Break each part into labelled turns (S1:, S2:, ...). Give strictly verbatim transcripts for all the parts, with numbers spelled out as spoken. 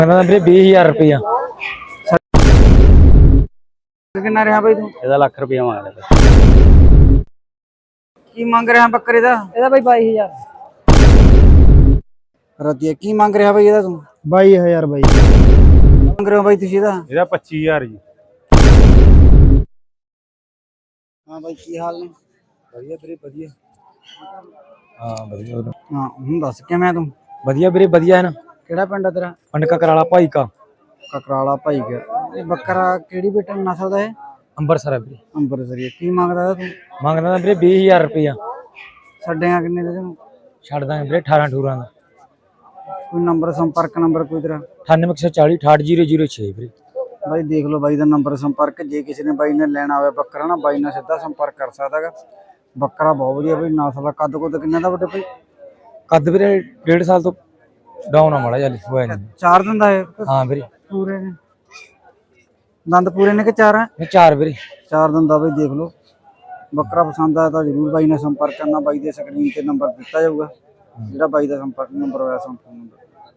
S1: ਵੀਰੇ ਵੀਹ ਹਜ਼ਾਰ ਰੁਪਇਆ।
S2: ਕਿੰਨਾ ਰਿਹਾ ਬਾਈ ਤੂੰ?
S1: ਇਹਦਾ ਲੱਖ ਰੁਪਇਆ ਮੰਗਦਾ।
S2: ਕੀ ਮੰਗ ਰਿਹਾ ਬੱਕਰੇ ਦਾ?
S3: ਇਹਦਾ ਬਾਈ ਬਾਈ ਹਜ਼ਾਰ।
S2: ਰਤੀਆ ਕੀ ਮੰਗ ਰਿਹਾ ਬਾਈ ਇਹਦਾ ਤੂੰ?
S3: ਬਾਈ ਹਜ਼ਾਰ ਬਾਈ
S2: ਮੰਗ ਰਹੇ ਹੋ ਬਾਈ ਤੁਸੀਂ ਇਹਦਾ?
S1: ਇਹਦਾ ਪੱਚੀ ਹਜ਼ਾਰ ਜੀ।
S2: ਹਾਂ ਬਾਈ ਕੀ ਹਾਲ ਨੇ?
S1: ਵਧੀਆ ਵੀਰੇ ਵਧੀਆ। ਹਾਂ ਵਧੀਆ।
S2: ਹਾਂ ਹੁਣ ਦੱਸ ਕਿਵੇਂ ਤੂੰ?
S1: ਵਧੀਆ ਵੀਰੇ ਵਧੀਆ ਹੈ ਨਾ।
S2: ਕਿਹੜਾ ਪਿੰਡ ਆ ਤੇਰਾ?
S1: ਪਿੰਡ ਕਕਰਾਲਾ ਭਾਈ ਕਾ।
S2: ਕਕਰਾਲਾ ਭਾਈ ਕਾ। ਇਹ ਬੱਕਰਾ ਕਿਹੜੀ ਬੇਟਾ ਨਸਲ ਦਾ ਹੈ?
S1: ਅੰਬਰਸਰ ਹੈ ਵੀਰੇ।
S2: ਅੰਬਰਸਰੀ। ਕੀ ਮੰਗਦਾ ਇਹਦਾ ਤੂੰ?
S1: ਮੰਗਦਾ ਵੀਰੇ ਵੀਹ ਹਜ਼ਾਰ ਰੁਪਇਆ।
S2: ਛੱਡੇਗਾ ਕਿੰਨੇ ਦੇ ਤੈਨੂੰ?
S1: ਛੱਡ ਦਾਂਗੇ ਵੀਰੇ ਅਠਾਰਾਂ ਅਠੂਰਾਂ ਦਾ।
S2: ਕੋਈ ਨੰਬਰ ਸੰਪਰਕ ਨੰਬਰ ਕੋਈ ਤੇਰਾ?
S1: ਅਠਾਨਵੇਂ ਇੱਕ ਸੌ ਚਾਲੀ ਅਠਾਹਠ ਜ਼ੀਰੋ ਜ਼ੀਰੋ ਛੇ ਵੀਰੇ।
S2: ਬਾਈ ਦੇਖ ਲਓ ਬਾਈ ਦਾ ਨੰਬਰ ਸੰਪਰਕ, ਜੇ ਕਿਸੇ ਨੇ ਬਾਈ ਨੇ ਲੈਣਾ ਹੋਵੇ ਬੱਕਰਾ ਨਾ ਬਾਈ ਨਾਲ ਸਿੱਧਾ ਸੰਪਰਕ ਕਰ ਸਕਦਾ ਹੈਗਾ। ਬੱਕਰਾ ਬਹੁਤ ਵਧੀਆ ਬਾਈ ਨਸਲ ਦਾ। ਕੱਦ ਕੁੱਦ ਕਿੰਨਾ ਦਾ ਵੱਡੇ ਭਾਈ?
S1: ਕੱਦ ਵੀਰੇ ਡੇਢ ਸਾਲ ਤੋਂ ਡਾਊਨ ਆ ਮਾੜਾ ਜਿਹਾ ਹੋਇਆ ਨਹੀਂ।
S2: ਚਾਰ ਦਿਨ ਦਾ ਹੈ?
S1: ਹਾਂ ਵੀਰੇ
S2: ਪੂਰੇ ਨੇ ਦੰਦ ਪੂਰੇ ਨੇ ਕਿ ਚਾਰ ਹੈ?
S1: ਇਹ ਚਾਰ ਵੀਰੇ।
S2: ਚਾਰ ਦਿਨ ਦਾ ਬਾਈ ਦੇਖ ਲਓ। ਬੱਕਰਾ ਪਸੰਦ ਆਇਆ ਤਾਂ ਜ਼ਰੂਰ ਬਾਈ ਨਾਲ ਸੰਪਰਕ ਕਰਨਾ। ਬਾਈ ਦੇ ਸਕਰੀਨ ਤੇ ਨੰਬਰ ਦਿੱਤਾ ਜਾਊਗਾ, ਜਿਹੜਾ ਬਾਈ ਦਾ ਸੰਪਰਕ ਨੰਬਰ ਹੋਇਆ ਸੰਪਰਕ ਨੰਬਰ।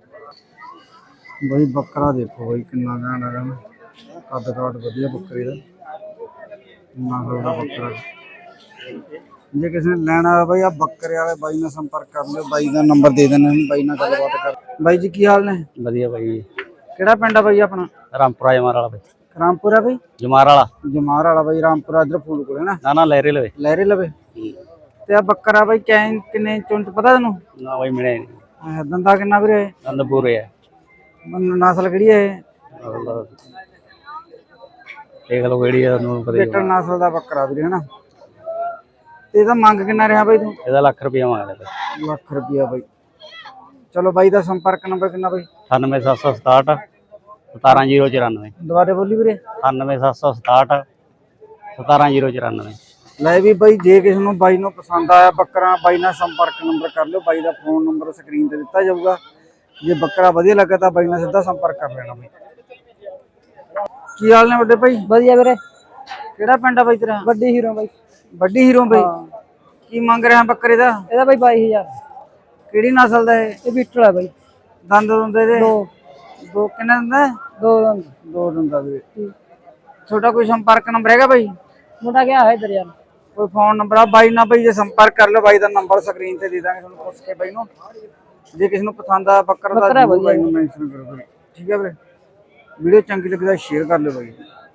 S2: ਬਾਈ ਬੱਕਰਾ ਦੇਖੋ ਬਾਈ ਕਿੰਨਾ ਘੈਂਟ ਹੈਗਾ ਨਾ। ਕੱਦ ਕਾਠ ਵਧੀਆ ਬੱਕਰੇ ਦਾ। ਨਸਲ ਦਾ ਬੱਕਰਾ। ਜੇ ਕਿਸੇ ਨੇ ਲੈਣਾ ਹੋਵੇ ਬਾਈ ਆ ਬੱਕਰੇ ਵਾਲੇ ਬਾਈ ਨਾਲ ਸੰਪਰਕ ਕਰ ਲਿਓ। ਬਾਈ ਦਾ ਨੰਬਰ ਦੇ ਦੇਣਾ, ਬਾਈ ਨਾਲ ਗੱਲਬਾਤ ਕਰ। ਬਾਈ ਜੀ ਕੀ ਹਾਲ ਨੇ?
S1: ਵਧੀਆ ਬਾਈ।
S2: ਕਿਹੜਾ ਪਿੰਡ ਆ ਬਾਈ ਆਪਣਾ?
S1: ਰਾਮਪੁਰਾ ਜਮਾਰ ਵਾਲਾ ਬਾਈ।
S2: ਰਾਮਪੁਰਾ ਬਾਈ?
S1: ਜਮਾਰ ਵਾਲਾ।
S2: ਜਮਾਰ ਵਾਲਾ ਬਾਈ। ਰਾਮਪੁਰਾ ਇਧਰ ਫੂਲ ਕੋਲ ਹੈ ਨਾ?
S1: ਨਾ ਨਾ ਲਹਿਰੇ ਲਵੇ।
S2: ਲਹਿਰੇ ਲਵੇ। ਤੇ ਆ ਬੱਕਰਾ ਬਾਈ ਕੈ ਕਿੰਨੇ ਚੁੰਚ ਪਤਾ ਤੈਨੂੰ?
S1: ਨਾ ਬਾਈ ਮਿਲਿਆ ਨਹੀਂ।
S2: ਦੰਦਾ ਕਿੰਨਾ ਵੀਰੇ?
S1: ਦੰਦ ਪੂਰੇ ਆ।
S2: ਨਸਲ ਕਿਹੜੀ ਹੈ ਇਹ?
S1: ਦੇਖ ਲਓ ਕਿਹੜੀ ਆ ਤੁਹਾਨੂੰ ਪਤਾ ਹੀ
S2: ਬੇਟਰ ਨਸਲ ਦਾ ਬੱਕਰਾ ਵੀਰੇ ਹਨਾ। ਤੇ ਇਹਦਾ ਮੰਗ ਕਿੰਨਾ ਰਿਹਾ ਬਾਈ ਤੂੰ?
S1: ਇਹਦਾ ਲੱਖ ਰੁਪਇਆ ਮੰਗਦਾ।
S2: ਲੱਖ ਰੁਪਇਆ ਬਾਈ। ਚਲੋ ਬਾਈ ਦਾ ਸੰਪਰਕ ਨੰਬਰ ਕਿੰਨਾ ਬਾਈ?
S1: ਅਠਾਨਵੇਂ ਸੱਤ ਸੌ ਸਤਾਹਠ ਸਤਾਰਾਂ ਜ਼ੀਰੋ ਚੁਰਾਨਵੇਂ।
S2: ਦੁਬਾਰੇ ਬੋਲੀ ਵੀਰੇ।
S1: ਅਠਾਨਵੇਂ ਸੱਤ ਸੌ ਸਤਾਹਠ ਸਤਾਰਾਂ ਜ਼ੀਰੋ ਚੁਰਾਨਵੇਂ।
S2: ਲੈ ਵੀ ਬਾਈ ਜੇ ਕਿਸੇ ਨੂੰ ਬਾਈ ਨੂੰ ਪਸੰਦ ਆਇਆ ਬੱਕਰਾ ਬਾਈ ਨਾਲ ਸੰਪਰਕ ਨੰਬਰ ਕਰ ਲਿਓ। ਬਾਈ ਦਾ ਫੋਨ ਨੰਬਰ ਸਕਰੀਨ ਤੇ ਦਿੱਤਾ ਜਾਊਗਾ। ਜੇ ਬੱਕਰਾ ਵਧੀਆ ਲੱਗਾ ਤਾਂ ਬਾਈ ਨਾਲ ਸਿੱਧਾ ਸੰਪਰਕ ਕਰ ਲੈਣਾ ਬਾਈ। ਕੀ ਹਾਲ ਨੇ ਵੱਡੇ ਭਾਈ?
S3: ਵਧੀਆ ਵੀਰੇ।
S2: ਕਿਹੜਾ ਪਿੰਡ ਆ ਬਾਈ ਤੇਰਾ?
S3: ਵੱਡੀ ਹੀਰੋ ਬਾਈ।
S2: ਵੱਡੀ ਹੀਰੋ ਬਾਈ। ਕੀ ਮੰਗ ਰਿਹਾ ਬੱਕਰੇ ਦਾ?
S3: ਇਹਦਾ ਬਾਈ ਬਾਈ ਹਜ਼ਾਰ।
S2: ਕਿਹੜੀ ਨਸਲ ਦਾ ਹੈ?
S3: ਇਹ ਬੀਟਲ ਹੈ ਬਾਈ।
S2: ਦੰਦ ਦੁੰਦ ਇਹਦੇ?
S3: ਦੋ।
S2: ਦੋ ਕਿੰਨੇ ਦੰਦ?
S3: ਦੋ ਦੰਦ।
S2: ਦੋ ਦੰਦਾਂ ਵੀਰੇ। ਛੋਟਾ ਕੋਈ ਸੰਪਰਕ ਨੰਬਰ ਹੈਗਾ ਬਾਈ?
S3: ਮੁੰਡਾ ਗਿਆ ਹੈ ਇਧਰ ਯਾਰ।
S2: ਕੋਈ ਫੋਨ ਨੰਬਰ ਆ ਬਾਈ ਨਾਲ ਬਾਈ ਜੇ ਸੰਪਰਕ ਕਰ ਲਓ। ਬਾਈ ਦਾ ਨੰਬਰ ਸਕਰੀਨ ਤੇ ਦੇ ਦਾਂਗੇ ਤੁਹਾਨੂੰ ਪੁੱਛ ਕੇ ਬਾਈ ਨੂੰ। ਜੇ ਕਿਸੇ ਨੂੰ ਪਸੰਦ ਆ ਬੱਕਰਾ ਦਾ ਜ਼ਰੂਰ ਬਾਈ ਨੂੰ ਮੈਂਸ਼ਨ ਕਰੋ ਬਾਈ। ਠੀਕ ਹੈ ਵੀਰੇ। ਵੀਡੀਓ ਚੰਗੀ ਲੱਗੀ ਤਾਂ ਸ਼ੇਅਰ ਕਰ ਲਿਓ ਬਾਈ।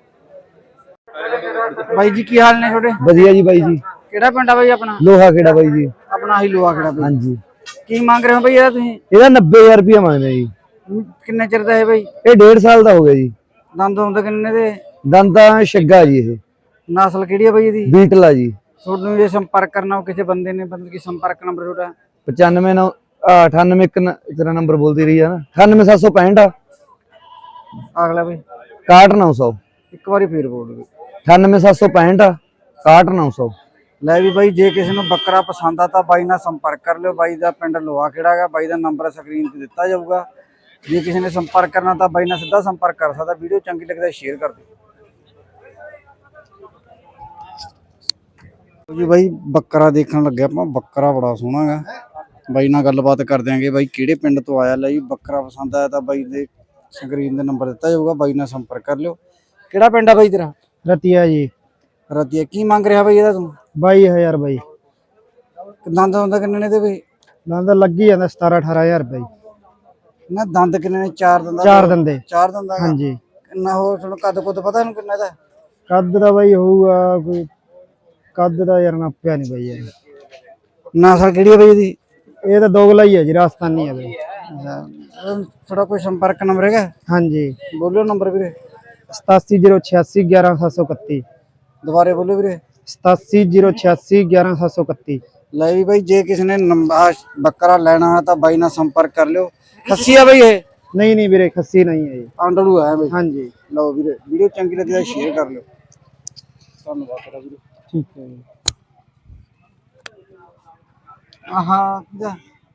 S2: ਬਾਈ ਜੀ ਕੀ ਹਾਲ ਨੇ ਤੁਹਾਡੇ?
S3: ਵਧੀਆ ਜੀ ਬਾਈ ਜੀ।
S2: ਕਿਹੜਾ ਪਿੰਡ ਆ ਬਾਈ ਆਪਣਾ?
S3: ਲੋਹਾ ਖੇੜਾ ਬਾਈ ਜੀ।
S2: ਆਪਣਾ ਹੀ ਲੋਹਾ ਖੇੜਾ ਬਾਈ।
S3: ਹਾਂਜੀ।
S2: ਕੀ ਮੰਗ ਰਹੇ ਹੋ ਬਾਈ ਇਹਦਾ ਤੁਸੀਂ?
S3: ਇਹਦਾ ਨੱਬੇ ਹਜ਼ਾਰ ਰੁਪਇਆ ਮੰਗਦੇ ਜੀ।
S2: ਕਿੰਨੇ ਚਿਰ ਦਾ ਹੈ ਬਾਈ?
S3: ਇਹ ਡੇਢ ਸਾਲ ਦਾ ਹੋ ਗਿਆ ਜੀ।
S2: ਦੰਦ ਦੁੰਦ ਕਿੰਨੇ ਦੇ?
S3: ਦੰਦਾਂ ਛੱਗਾ ਜੀ। ਇਹ
S2: ਨਸਲ ਕਿਹੜੀ ਹੈ ਬਾਈ ਇਹਦੀ?
S3: ਬੀਟਲ ਆ ਜੀ।
S2: ਤੁਹਾਨੂੰ ਜੇ ਸੰਪਰਕ ਕਰਨਾ ਹੋ ਕਿਸੇ ਬੰਦੇ ਨੇ, ਬੰਦੇ ਕੀ ਸੰਪਰਕ ਨੰਬਰ ਤੁਹਾਡਾ?
S3: ਪਚਾਨਵੇਂ ਨੌ ਅਠਾਨਵੇਂ ਇੱਕ ਤੇਰਾ ਨੰਬਰ ਬੋਲਦੀ ਰਹੀ ਆ ਨਾ। ਅਠਾਨਵੇਂ ਸੱਤ ਸੌ ਪੈਂਹਠ
S2: ਅਗਲਾ ਬਾਈ
S3: ਇਕਾਹਠ ਨੌ ਸੌ।
S2: ਇੱਕ ਵਾਰੀ ਫੇਰ ਬੋਲ ਦਿਓ।
S3: ਅਠਾਨਵੇਂ ਸੱਤ ਸੌ ਪੈਂਹਠ ਇਕਾਹਠ ਨੌ ਸੌ।
S2: ਲੈ ਵੀ ਬਾਈ ਜੇ ਕਿਸੇ ਨੂੰ ਬੱਕਰਾ ਪਸੰਦ ਆ ਤਾਂ ਬਾਈ ਨਾਲ ਸੰਪਰਕ ਕਰ ਲਿਓ। ਬਾਈ ਦਾ ਪਿੰਡ ਲੋਹਾ ਖੇੜਾ ਹੈਗਾ। ਬਾਈ ਦਾ ਨੰਬਰ ਸਕਰੀਨ ਤੇ ਦਿੱਤਾ ਜਾਊਗਾ। ਜੇ ਕਿਸੇ ਨੇ ਸੰਪਰਕ ਕਰਨਾ ਤਾਂ ਬਾਈ ਨਾਲ ਸਿੱਧਾ ਸੰਪਰਕ ਕਰ ਸਕਦਾ। ਵੀਡੀਓ ਚੰਗੀ ਲੱਗੇ ਤਾਂ ਸ਼ੇਅਰ ਕਰ ਦਿਓ ਜੀ। ਬਾਈ ਬੱਕਰਾ ਦੇਖਣ ਲੱਗਿਆ ਆਪਾਂ। ਬੱਕਰਾ ਬੜਾ ਸੋਹਣਾ ਹੈਗਾ। ਬਾਈ ਨਾਲ ਗੱਲਬਾਤ ਕਰ ਦਿਆਂਗੇ। ਬਾਈ ਕਿਹੜੇ ਪਿੰਡ ਤੋਂ ਆਇਆ? ਲੈ ਜੀ ਬੱਕਰਾ ਪਸੰਦ ਆਇਆ ਤਾਂ ਬਾਈ ਦੇ ਸਕਰੀਨ ਤੇ ਨੰਬਰ ਦਿੱਤਾ ਜਾਊਗਾ। ਬਾਈ ਨਾਲ ਸੰਪਰਕ ਕਰ ਲਿਓ। ਕਿਹੜਾ ਪਿੰਡ ਆ ਬਾਈ ਤੇਰਾ?
S3: ਰਤੀਆ ਜੀ।
S2: ਰਤੀਆ। ਕੀ ਮੰਗ ਰਿਹਾ ਬਾਈ ਇਹਦਾ ਤੂੰ?
S3: ਬਾਈ ਹਜ਼ਾਰ ਬਾਈ।
S2: ਦੰਦ ਦੰਦ ਕਿੰਨੇ ਨੇ ਤੇ ਬਾਈ?
S3: ਦੰਦ ਲੱਗੀ ਜਾਂਦਾ ਸਤਾਰਾਂ ਅਠਾਰਾਂ ਹਜ਼ਾਰ ਬਾਈ।
S2: ਨਾ ਦੰਦ ਕਿੰਨੇ ਨੇ? ਚਾਰ ਦੰਦ?
S3: ਚਾਰ ਦੰਦੇ।
S2: ਚਾਰ ਦੰਦ ਹੈਗਾ।
S3: ਹਾਂਜੀ।
S2: ਕਿੰਨਾ ਹੋਰ ਤੁਹਾਨੂੰ ਕੱਦ ਕੁੱਦ ਪਤਾ ਇਹਨੂੰ ਕਿੰਨਾ ਦਾ?
S3: ਕੱਦ ਦਾ ਬਾਈ ਹੋਊਗਾ ਕੋਈ। ਕੱਦ ਦਾ ਯਾਰ ਨਾਪਿਆ ਨਹੀਂ ਬਾਈ ਯਾਰ।
S2: ਨਸਲ ਕਿਹੜੀ ਹੈ ਬਾਈ ਇਹਦੀ?
S3: ਇਹ ਤਾਂ ਦੋਗਲਾ ਹੀ ਹੈ ਜੀ। ਰਾਜਸਥਾਨੀ ਹੈ ਬਾਈ।
S2: ਥੋੜਾ ਕੋਈ ਸੰਪਰਕ ਨੰਬਰ ਹੈਗਾ?
S3: ਹਾਂਜੀ।
S2: ਬੋਲਿਓ ਨੰਬਰ ਵੀਰੇ।
S3: ਸਤਾਸੀ ਜ਼ੀਰੋ ਛਿਆਸੀ ਗਿਆਰਾਂ ਸੱਤ ਸੌ ਇਕੱਤੀ।
S2: ਦੁਬਾਰੇ ਬੋਲਿਓ ਵੀਰੇ।
S3: ਸਤਾਸੀ ਜ਼ੀਰੋ ਛਿਆਸੀ ਗਿਆਰਾਂ ਸੱਤ ਸੌ ਇਕੱਤੀ।
S2: ਲੈ ਵੀ ਬਾਈ ਜੇ ਕਿਸੇ ਨੇ ਨੰਬਰ ਬੱਕਰਾ ਲੈਣਾ ਹੈ ਤਾਂ ਬਾਈ ਨਾਲ ਸੰਪਰਕ ਕਰ ਲਿਓ। ਖੱਸੀ ਆ ਬਾਈ ਇਹ?
S3: ਨਹੀਂ ਨਹੀਂ ਵੀਰੇ ਖੱਸੀ ਨਹੀਂ ਹੈ ਜੀ।
S2: ਆਂਡੜੂ ਹੈ ਬਾਈ।
S3: ਹਾਂਜੀ।
S2: ਲਓ ਵੀਰੇ ਵੀਡੀਓ ਚੰਗੀ ਲੱਗੀ ਤਾਂ ਸ਼ੇਅਰ ਕਰ ਲਿਓ। ਧੰਨਵਾਦ ਤੇਰਾ ਵੀਰੇ।
S3: ਠੀਕ ਹੈ ਜੀ।
S2: ਆਹਾ ਕਿਦਾ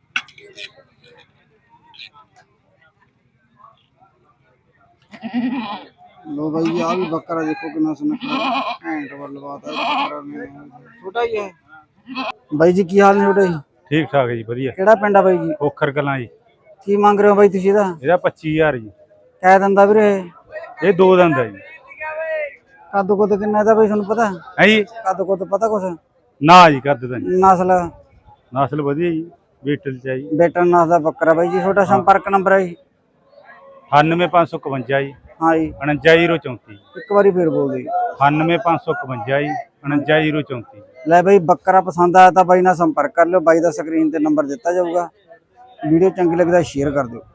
S2: ਲੋ ਬਾਈ ਆ ਵੀ ਬੱਕਰਾ ਦੇਖੋ ਕਿੰਨਾ ਸੁਨੱਖਾ ਘੈਂਟ ਵੱਲਬਾਤ ਹੈ। ਬੱਕਰਾ ਨੇ ਛੋਟਾ ਹੀ ਹੈ। ਬਾਈ ਜੀ ਕੀ ਹਾਲ ਨੇ ਛੋਟਾ ਜੀ?
S1: ਠੀਕ ਠਾਕ ਜੀ ਵਧੀਆ।
S2: ਕਿਹੜਾ ਪਿੰਡ ਆ ਬਾਈ ਜੀ?
S1: ਖੋਖਰ ਕਲਾਂ ਜੀ।
S2: ਕੀ ਮੰਗ ਰਹੇ ਹੋ ਬਾਈ ਤੁਸੀਂ ਇਹਦਾ?
S1: ਇਹਦਾ ਪੱਚੀ ਹਜ਼ਾਰ ਜੀ।
S2: ਕਹਿ ਦਿੰਦਾ ਵੀਰੇ ਇਹ?
S4: ਇਹ ਦੋ ਦੰਦ ਹੈ ਜੀ।
S2: ਕੱਦ ਕੁੱਦ ਕਿੰਨਾ ਇਹਦਾ ਬਈ ਤੁਹਾਨੂੰ ਪਤਾ?
S4: ਹੈ ਜੀ
S2: ਕੱਦ ਕੁੱਦ ਪਤਾ ਕੁਛ?
S4: ਨਾ ਜੀ ਕੱਦ ਦਾ ਨਹੀਂ।
S2: ਨਸਲ
S4: ਨਸਲ ਵਧੀਆ ਜੀ, ਬੀਟਲ ਚ ਹੈ ਜੀ।
S2: ਬੇਟਨ ਨਸਲ ਦਾ ਬੱਕਰਾ ਬਾਈ ਜੀ। ਤੁਹਾਡਾ ਸੰਪਰਕ ਨੰਬਰ ਹੈ ਜੀ?
S4: ਅਠਾਨਵੇਂ ਪੰਜ ਸੌ ਇਕਵੰਜਾ ਜੀ
S2: ਹਾਂ ਜੀ,
S4: ਉਣੰਜਾ ਜ਼ੀਰੋ ਚੌਂਤੀ।
S2: ਇੱਕ ਵਾਰੀ ਫੇਰ ਬੋਲ ਦਿਓ।
S4: ਅਠਾਨਵੇਂ ਪੰਜ ਸੌ ਇਕਵੰਜਾ ਜੀ ਉਣੰਜਾ ਜ਼ੀਰੋ ਚੌਂਤੀ।
S2: ਲੈ ਬਾਈ ਬੱਕਰਾ ਪਸੰਦ ਆਇਆ ਤਾਂ ਬਾਈ ਨਾਲ ਸੰਪਰਕ ਕਰ ਲਿਓ। ਬਾਈ ਦਾ ਸਕਰੀਨ ਤੇ ਨੰਬਰ ਦਿੱਤਾ ਜਾਊਗਾ। ਵੀਡੀਓ ਚੰਗੀ ਲੱਗੀ ਤਾਂ ਸ਼ੇਅਰ ਕਰ ਦਿਓ।